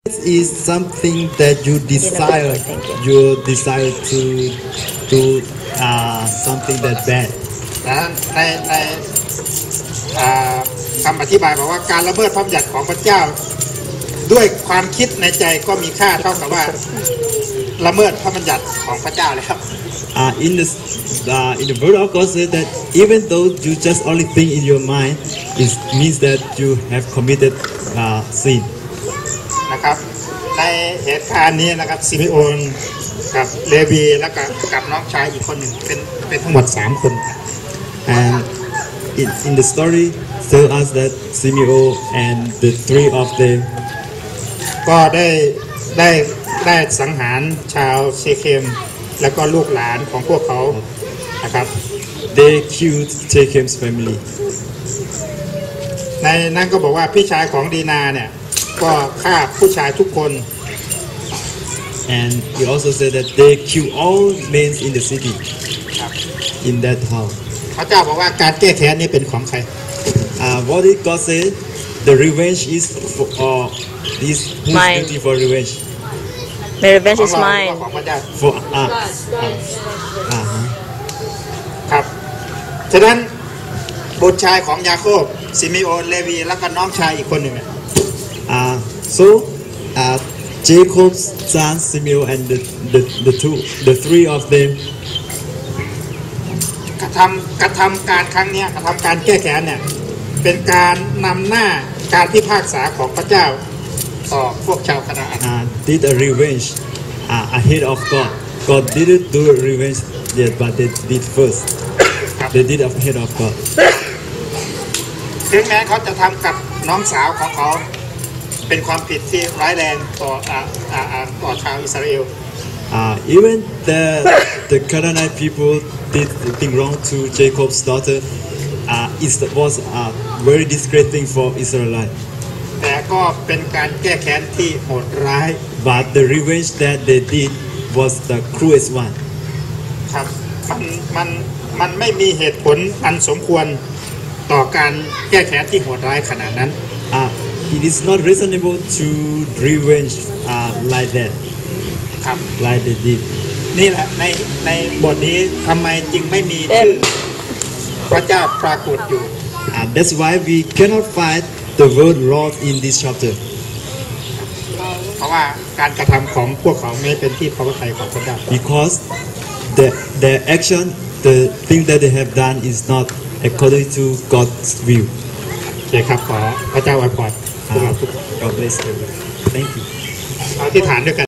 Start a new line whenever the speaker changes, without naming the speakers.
is something that you desire. You desire to do something that bad.
ในคำอธิบายบอกว่าการละเมิดพระบัญญัติของพระเจ้าด้วยความคิดในใจก็มีค่าเท่ากับว่าละเมิดพระบัญญัติของพระเจ้าเลยครับ
In the word of God says that even though you just only think in your mind, it means that you have committed sin.
นะครับในเหตุการณ์นี้นะครับซิมิโอนกับเลวีแล้วก็กับน้องชายอีกคนหนึ่งเป็นทั้งหมด3 คน
And in the story tell us that Simeon and the 3 of them
ก็ได้สังหารชาวเชเคมแล้วก็ลูกหลานของพวกเขานะครับ
they killed Shechem's family.
ในนั้นก็บอกว่าพี่ชายของดีนาเนี่ยก็ฆ่าผู้ชายทุกคน
And he also said that they kill all men in the city.
ครับ
In that house.
พระเจ้าบอกว่าการแก้แค้นนี้เป็นของใคร
What did God say? The revenge is for this who's guilty for revenge.
The revenge is mine.
ของพระเจ้า
For
ครับฉะนั้นบุตรชายของยาโคบซิมิโอนเลวีแล้วก็น้องชายอีกคนหนึ่ง
So Jacob's son Simeon and the 3 of them
กระทำการครั้งนี้กระทำการแก้แค้นเนี่ยเป็นการนำหน้าการพิพากษาของพระเจ้าต่อพวกชาวคณาอัน
did a revenge ahead of God. God didn't do a revenge yet, but they did first. They did ahead of God.
ถึงแม้เขาจะทำกับน้องสาวของเขาเป็นความผิดที่ร้ายแรงต่อชาวอิสราเอล
Even the Canaanite people did thing wrong to Jacob's daughter. It was a very disgrace thing for Israelites.
แต่ก็เป็นการแก้แค้นที่โหดร้าย
But the revenge that they did was the cruelest one.
ครับมันไม่มีเหตุผลอันสมควรต่อการแก้แค้นที่โหดร้ายขนาดนั้น
It is not reasonable to revenge like that.
ครับ
Like they did.
นี่แหละในบทนี้ทำไมจึงไม่มีชื่อพระเจ้าปรากฏอยู่
That's why we cannot find the word Lord in this chapter.
เพราะว่าการกระทำของพวกเขาไม่เป็นที่พอพระทัยของพระเจ้า
Because their action, the thing that they have done is not according to God's will.
โอเคครับขอพระเจ้าอวยพรพวกเราทุกคน
God bless you. Thank you.
อธิษฐานด้วยกัน